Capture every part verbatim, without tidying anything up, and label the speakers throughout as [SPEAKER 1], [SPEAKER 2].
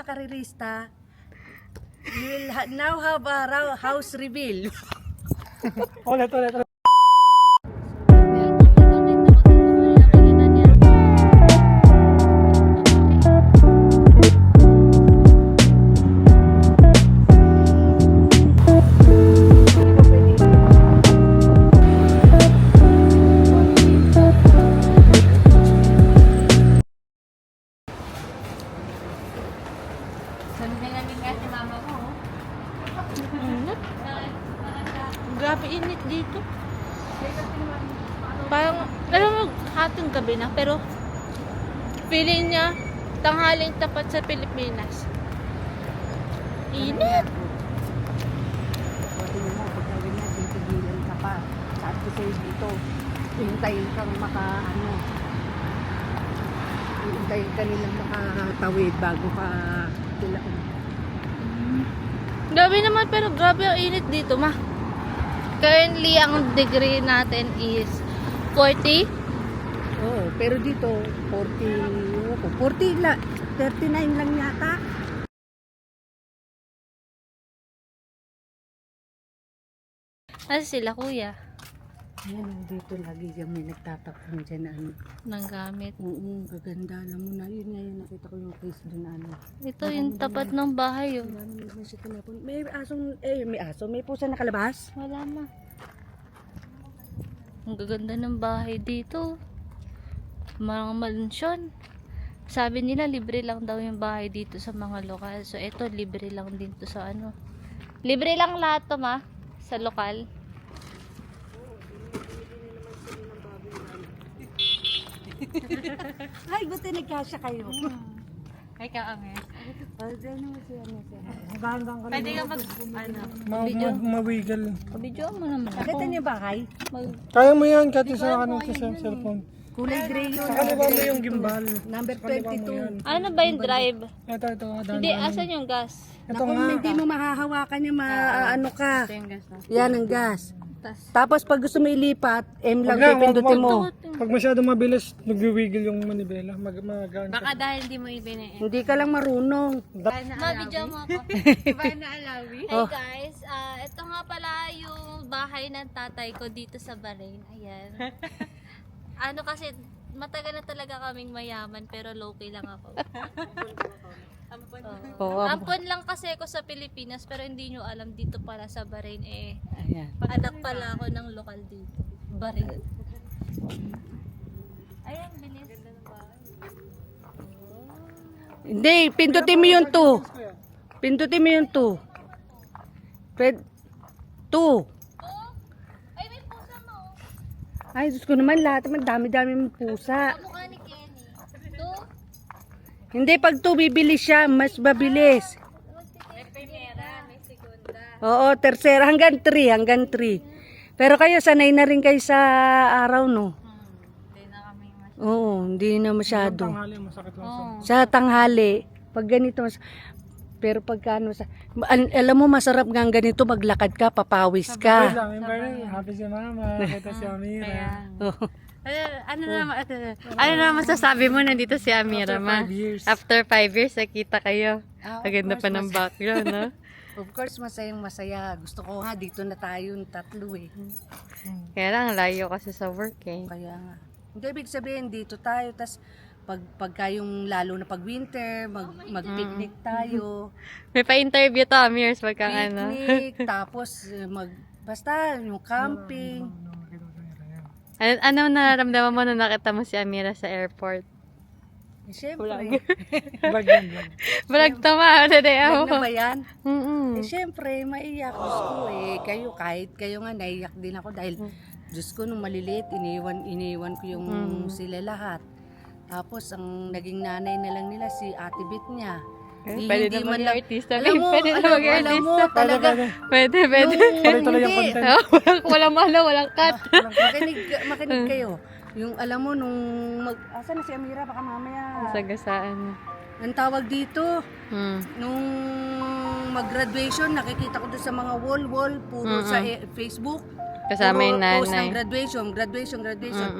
[SPEAKER 1] karirista, you will ha- now have a ra- house reveal.
[SPEAKER 2] Ulit, ulit, ulit.
[SPEAKER 3] Grabe init dito. Parang, alam mo, hating gabi na, pero feeling niya, tanghaling tapat sa Pilipinas. Init!
[SPEAKER 1] Pwede mo, pagka ganyan, titigilan ka pa. Sabi ko sa'yo dito, hintayin kang maka, ano, hintayin ka nilang makatawid bago ka tila.
[SPEAKER 3] Grabe naman, pero grabe ang init dito, ma. Currently, ang degree natin is forty.
[SPEAKER 1] Oo, pero dito, forty, ano ko, forty la, thirty-nine lang yata.
[SPEAKER 3] Ano sila, kuya?
[SPEAKER 1] Ayan, dito lagi yung may nagtatakpan dyan na ano.
[SPEAKER 3] Nang gamit.
[SPEAKER 1] Oo, gaganda. Alam mo na, yun ngayon nakita ko yung case doon na ano.
[SPEAKER 3] Ito yung tapat ng bahay, oh.
[SPEAKER 1] Marami naman siya tinapon. May asong, eh, may aso, may pusa nakalabas.
[SPEAKER 3] Wala na. Ang gaganda ng bahay dito. Mga mansyon. Sabi nila libre lang daw yung bahay dito sa mga lokal. So ito libre lang din to sa ano. Libre lang lahat to, ma, sa lokal.
[SPEAKER 1] Ay, buti nagkasya kayo.
[SPEAKER 3] Ay ka, Ames.
[SPEAKER 1] Oh, dyan naman siya, ano siya.
[SPEAKER 2] Magandang ka
[SPEAKER 3] Pwede ka mag, ano,
[SPEAKER 2] ma ma mawiggle.
[SPEAKER 3] video mo naman ako.
[SPEAKER 1] Nakita niyo ba kay?
[SPEAKER 3] Mag,
[SPEAKER 2] Kaya mo yan, kahit isa ka nang sa cellphone.
[SPEAKER 1] Kulay gray yun.
[SPEAKER 2] Sa kaliwa mo yung gimbal.
[SPEAKER 1] Number twenty-two.
[SPEAKER 3] ano ba yung drive?
[SPEAKER 2] Ito, ito. Dahan,
[SPEAKER 3] Hindi, asan yung gas?
[SPEAKER 2] Ito
[SPEAKER 1] Naku,
[SPEAKER 2] nga.
[SPEAKER 1] hindi mo mahahawakan yung ma, ano ka.
[SPEAKER 3] yung gas na.
[SPEAKER 1] Yan ang gas.
[SPEAKER 3] Tas,
[SPEAKER 1] Tapos pag gusto mo ilipat, M lang
[SPEAKER 2] Wag lang, wag-
[SPEAKER 1] pipindutin mo.
[SPEAKER 2] wag- Pag masyado mabilis, nag-wiggle yung manibela. Mag magaan
[SPEAKER 3] baka
[SPEAKER 2] ka.
[SPEAKER 3] dahil hindi mo ibinigay.
[SPEAKER 1] Hindi ka lang marunong.
[SPEAKER 3] Ma, video mo ako. Hey guys, ah ito nga pala yung bahay ng tatay ko dito sa Bahrain. Ayan. Ano kasi, matagal na talaga kaming mayaman pero low-key lang ako. Ampon.
[SPEAKER 1] Oo.
[SPEAKER 3] Ampon lang kasi ako sa Pilipinas pero hindi nyo alam dito pala sa Bahrain eh.
[SPEAKER 1] Ayan.
[SPEAKER 3] Anak pala ako ng lokal dito. Bahrain. Ayan, bilis.
[SPEAKER 1] Hindi, pindutin mo yung two. Pindutin mo yung two. Pwede. Two.
[SPEAKER 3] Oh, ay may pusa mo.
[SPEAKER 1] Ay, Diyos ko naman, lahat naman dami-dami mong pusa.
[SPEAKER 3] Kamukha ni Kenny. Ito.
[SPEAKER 1] Hindi, pag two, bibilis siya. Mas mabilis.
[SPEAKER 3] May primera, may segunda.
[SPEAKER 1] Oo, tercera. Hanggang three. Hanggang three. Pero kayo, sanay na rin kayo sa araw, no?
[SPEAKER 3] Hindi na kami mas...
[SPEAKER 1] Oo, hindi na masyado.
[SPEAKER 2] Tanghali, masakit lang sa...
[SPEAKER 3] Oh.
[SPEAKER 1] Sa tanghali, pag ganito, mas, pero pagka ano, sa, al- alam mo, masarap nga ganito, maglakad ka, papawis
[SPEAKER 2] Wait
[SPEAKER 1] ka.
[SPEAKER 2] lang, yung parang happy si mama, kita si Amira.
[SPEAKER 1] Oo.
[SPEAKER 4] Ano, ano naman, ano, ano naman masasabi mo nandito si Amira,
[SPEAKER 2] After
[SPEAKER 4] ma?
[SPEAKER 2] five years.
[SPEAKER 4] After five years, nakita kayo.
[SPEAKER 1] Ah, of
[SPEAKER 4] Ang ganda
[SPEAKER 1] course,
[SPEAKER 4] pa ng
[SPEAKER 1] mas-
[SPEAKER 4] background, no?
[SPEAKER 1] Of course, masayang masaya. Gusto ko nga, dito na tayo tatlo eh.
[SPEAKER 4] Kaya lang, layo kasi sa work, eh.
[SPEAKER 1] Kaya nga. Hindi, ibig sabihin, dito tayo. Tas pag, pagka yung lalo na pag winter, mag, mag-picnic tayo.
[SPEAKER 4] May pa-interview to, Amirs, wag kang ano.
[SPEAKER 1] Picnic, tapos eh, mag, basta yung camping.
[SPEAKER 4] Ano, ano nararamdaman mo nung nakita mo si Amira sa airport?
[SPEAKER 1] Eh, Siyempre.
[SPEAKER 2] Vlog yan, vlog.
[SPEAKER 4] Vlog to, ma. Today
[SPEAKER 1] Wag
[SPEAKER 4] ako.
[SPEAKER 1] na ba yan?
[SPEAKER 4] Mm-mm.
[SPEAKER 1] Eh, siyempre, maiyak. Diyos ko eh. Kayo, kahit kayo nga, naiyak din ako dahil, Diyos ko, nung maliliit, iniwan, iniwan ko yung sila lahat. Tapos, ang naging nanay na lang nila, si Ate Bit niya.
[SPEAKER 4] Eh,
[SPEAKER 1] Di-
[SPEAKER 4] pwede
[SPEAKER 1] hindi
[SPEAKER 4] na
[SPEAKER 1] man lang-
[SPEAKER 4] mag-artista.
[SPEAKER 1] Alam mo,
[SPEAKER 4] Pwede na
[SPEAKER 1] alam, alam mo,
[SPEAKER 4] mag-artista.
[SPEAKER 1] talaga,
[SPEAKER 4] Pwede, pwede.
[SPEAKER 1] nung,
[SPEAKER 2] Tuloy-tuloy yung
[SPEAKER 1] hindi,
[SPEAKER 2] content.
[SPEAKER 4] Oh, walang, walang malo, walang cut.
[SPEAKER 1] makinig, makinig kayo. Yung alam mo, nung mag, asa na si Amira, baka mamaya.
[SPEAKER 4] Sagasaan.
[SPEAKER 1] Ang tawag dito,
[SPEAKER 4] Hmm.
[SPEAKER 1] nung mag-graduation, nakikita ko doon sa mga wall-wall, puro
[SPEAKER 4] Mm-mm.
[SPEAKER 1] sa eh, Facebook.
[SPEAKER 4] Kasama
[SPEAKER 1] puro
[SPEAKER 4] yung
[SPEAKER 1] post ng
[SPEAKER 4] nanay.
[SPEAKER 1] graduation, graduation, graduation.
[SPEAKER 4] Mm-mm.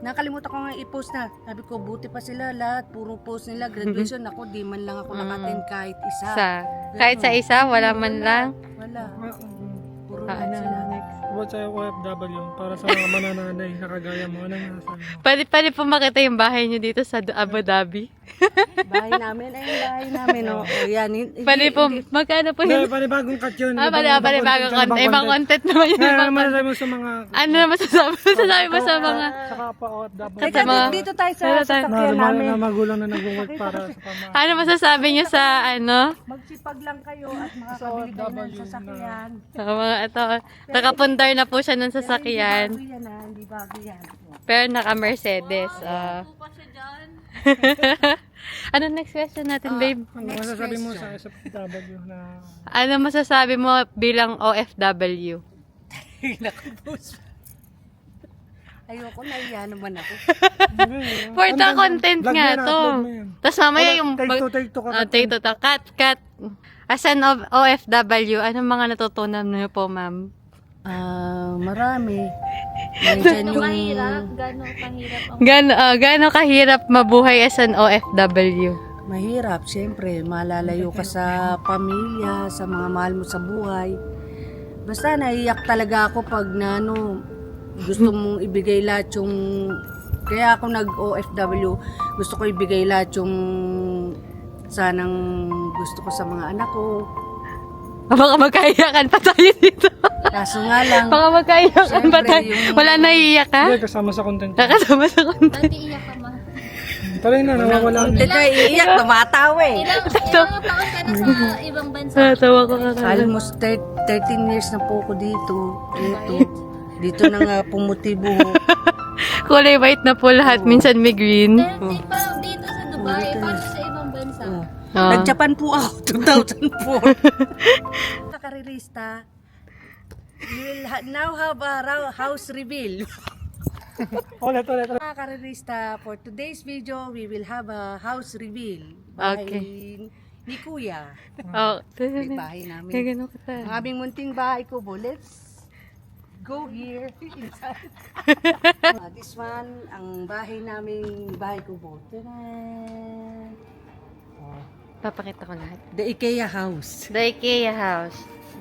[SPEAKER 1] Nakalimutan ko nga i-post na. Sabi ko, buti pa sila lahat. Puro post nila. Graduation ako, di man lang ako nakaten kahit isa.
[SPEAKER 4] Sa, kahit sa isa, wala man lang.
[SPEAKER 1] Wala. Puro
[SPEAKER 4] Ah,
[SPEAKER 1] lahat
[SPEAKER 4] ano,
[SPEAKER 1] sila.
[SPEAKER 4] next.
[SPEAKER 2] About sa O F W, para sa mga manananay na kagaya mo, anong nasasabi mo?
[SPEAKER 4] Pwede, pwede po makita yung bahay nyo dito sa Du- Abu Dhabi.
[SPEAKER 1] Bahay namin, ay bahay namin. Oh. O, yan. Hindi-
[SPEAKER 4] Pwede po,
[SPEAKER 1] hindi-
[SPEAKER 4] magkano po
[SPEAKER 2] Hindi,
[SPEAKER 4] yun?
[SPEAKER 2] panibagong cut yun.
[SPEAKER 4] Ah, pwede, pwede, bagong content. Ibang content naman yun.
[SPEAKER 2] Ano
[SPEAKER 4] Ibang
[SPEAKER 2] naman
[SPEAKER 4] content.
[SPEAKER 2] sabi mo sa mga...
[SPEAKER 4] Ano na masasabi? Masasabi mo sa mga...
[SPEAKER 2] Saka pa O F W.
[SPEAKER 1] Teka,
[SPEAKER 4] mga-
[SPEAKER 1] dito tayo sa
[SPEAKER 4] Dito tayo.
[SPEAKER 2] Na,
[SPEAKER 1] sasakyan
[SPEAKER 2] na,
[SPEAKER 1] namin.
[SPEAKER 2] na magulang na nag-work para sa pama.
[SPEAKER 4] Ano masasabi nyo sa ano?
[SPEAKER 1] Magsipag lang kayo at makakabili kayo ng sasakyan.
[SPEAKER 4] Sa mga ito, nakapundar na po siya ng sasakyan.
[SPEAKER 1] Bago yan ah, hindi bago yan.
[SPEAKER 4] Pero naka-Mercedes. ah.
[SPEAKER 3] Po pa siya dyan.
[SPEAKER 4] Ano next question natin, babe?
[SPEAKER 2] Ano masasabi mo sa S F W na...
[SPEAKER 4] Ano masasabi mo bilang O F W?
[SPEAKER 1] Ayoko, nahiya naman ako.
[SPEAKER 4] For the content
[SPEAKER 2] Vlog
[SPEAKER 4] nga
[SPEAKER 2] yan,
[SPEAKER 4] to.
[SPEAKER 2] upload mo yan.
[SPEAKER 4] Tapos mamaya yung...
[SPEAKER 2] Take two, take two ka.
[SPEAKER 4] Oh, take two, to. Cut, cut. As an O- OFW, anong mga natutunan niyo po, ma'am?
[SPEAKER 1] Ah, marami. Nandiyan
[SPEAKER 3] Gano'ng
[SPEAKER 1] yung...
[SPEAKER 3] kahirap? Gano'ng kahirap ang...
[SPEAKER 4] Gano, uh, gaano kahirap mabuhay as an O F W?
[SPEAKER 1] Mahirap, siyempre. Malalayo ka sa pamilya, sa mga mahal mo sa buhay. Basta naiyak talaga ako pag na, ano, gusto mong ibigay lahat yung... Kaya ako nag-O F W, gusto ko ibigay lahat yung sanang gusto ko sa mga anak ko.
[SPEAKER 4] Baka magkaiyakan pa tayo dito.
[SPEAKER 1] Kaso nga lang,
[SPEAKER 4] Baka magkaiyakan pa
[SPEAKER 1] Siyempre,
[SPEAKER 4] tayo.
[SPEAKER 1] yung-
[SPEAKER 4] Wala naiiyak ka?
[SPEAKER 2] Hindi, kasama sa content.
[SPEAKER 4] Nakasama sa content.
[SPEAKER 3] Ba't iiyak ka, ma?
[SPEAKER 2] Tuloy na, nawawala na.
[SPEAKER 1] hindi ka iiyak, tumatawa eh.
[SPEAKER 3] Ilang, ilang taon ka na sa ibang bansa?
[SPEAKER 4] Natawa ko ka.
[SPEAKER 1] Almost thir- thirteen years na po ako dito. Dito. Dito na nga pumuti buhok.
[SPEAKER 4] Kulay white na po lahat. Minsan may green.
[SPEAKER 3] thirty pa dito sa Dubai. Paano sa ibang bansa?
[SPEAKER 1] Oh.
[SPEAKER 4] Ah.
[SPEAKER 1] Nag-Japan po ako, two thousand four. Kakarerista, we will ha- now have a ra- house reveal.
[SPEAKER 2] Ulit, ulit, ulit.
[SPEAKER 1] Mga karerista, for today's video, we will have a house reveal. Bahay
[SPEAKER 4] Okay.
[SPEAKER 1] ni Kuya.
[SPEAKER 4] Oh.
[SPEAKER 1] May bahay namin.
[SPEAKER 4] Gagano ka
[SPEAKER 1] Ang
[SPEAKER 4] ta.
[SPEAKER 1] aming munting bahay ko po. Let's go here inside. Ah, this one, ang bahay namin, bahay ko po. Tadaan! Oh,
[SPEAKER 4] Papakita ko lahat.
[SPEAKER 1] the IKEA house.
[SPEAKER 4] The IKEA house.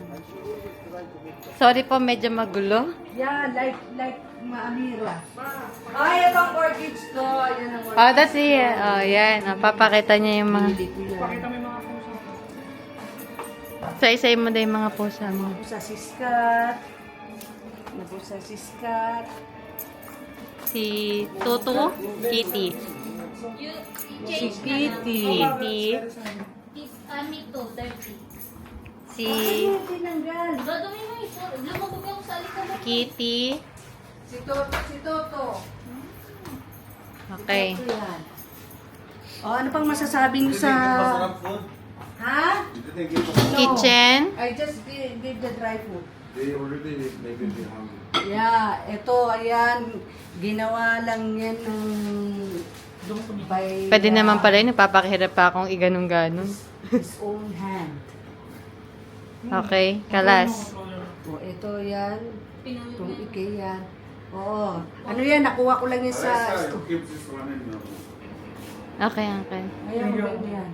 [SPEAKER 4] Sorry po, medyo magulo.
[SPEAKER 1] Yeah, like, like Maamira. Ay, ito ang orchids ko. Ayan ang orchids.
[SPEAKER 4] Oh, that's it. Oh, yan. Oh, papakita niya yung mga...
[SPEAKER 1] Hindi ko yan.
[SPEAKER 2] Pakita mo yung mga puso.
[SPEAKER 4] Sa-isay mo na yung mga pusa mo.
[SPEAKER 1] Ako sa siskat. Ako sa siskat.
[SPEAKER 4] Si Tutu, Kitty.
[SPEAKER 3] You,
[SPEAKER 1] Si
[SPEAKER 3] change na lang.
[SPEAKER 1] Kitty.
[SPEAKER 4] Kitty.
[SPEAKER 3] Ah, me too, dirty.
[SPEAKER 4] Si
[SPEAKER 1] Ay, tinanggal.
[SPEAKER 3] Gagawin mo ito. Lumabog ako sa alikabok.
[SPEAKER 4] Kitty.
[SPEAKER 1] Si Toto, si Toto.
[SPEAKER 4] Okay.
[SPEAKER 1] Toto yan. O, ano pang masasabi niyo sa... Ha? No.
[SPEAKER 4] Kitchen.
[SPEAKER 1] I just gave, gave the dry food.
[SPEAKER 5] They already make it hungry.
[SPEAKER 1] Yeah, ito, ayan, ginawa lang yan ng by
[SPEAKER 4] Pwede
[SPEAKER 1] uh,
[SPEAKER 4] naman pala yun. Nagpapakihirap pa akong iganong-ganon.
[SPEAKER 1] his own hand.
[SPEAKER 4] Okay. Kalas.
[SPEAKER 1] O, ito yan, itong IKEA. Oo. Ano yan, nakuha ko lang yan sa...
[SPEAKER 5] Let's keep this one in now.
[SPEAKER 4] Okay, okay.
[SPEAKER 1] Ayan, maganda yan.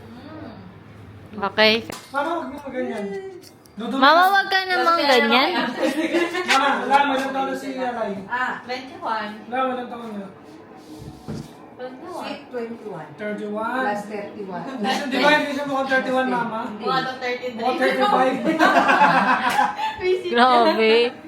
[SPEAKER 4] Okay.
[SPEAKER 2] Mama, huwag mo maganyan. Dudulog.
[SPEAKER 4] Mama, wag ka namang ganyan.
[SPEAKER 2] Mama, alam mo, ilang taon na si Alay.
[SPEAKER 1] Ah,
[SPEAKER 2] Alam mo, ilang taon niya?
[SPEAKER 1] sweet twenty-one.
[SPEAKER 2] thirty-one.
[SPEAKER 1] Plus thirty-one.
[SPEAKER 2] Di ba hindi siya mukhang thirty-one, Mama?
[SPEAKER 1] Hindi.
[SPEAKER 2] Mukhang thirty-five.
[SPEAKER 4] Grabe.